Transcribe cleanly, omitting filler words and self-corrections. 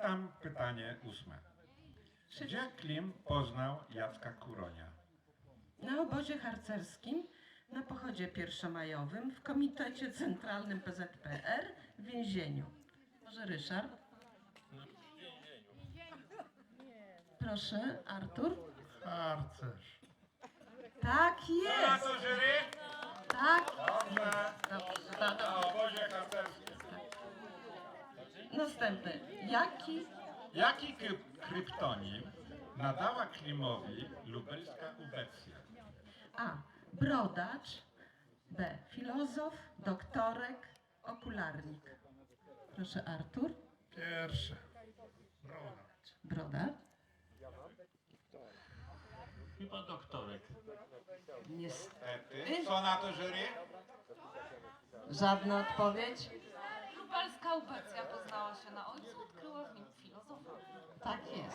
Pytam pytanie 8. Gdzie Klim poznał Jacka Kuronia? Na obozie harcerskim, na pochodzie pierwszomajowym, w Komitecie Centralnym PZPR, w więzieniu. Może Ryszard? W więzieniu. Proszę, Artur? Harcerz. Tak Co na jest! to jury? Tak! Dobrze. Dobrze, Na obozie harcerskim. Następny. Jaki kryptonim nadała Klimowi lubelska ubecja? A. Brodacz. B. Filozof, doktorek, okularnik. Proszę, Artur. Pierwsze. Broda. Brodacz. Chyba doktorek. Niestety. Co na to jury? Żadna odpowiedź? Lubelska ubecja poznała się na ojcu, odkryła w nim filozofa. Tak jest.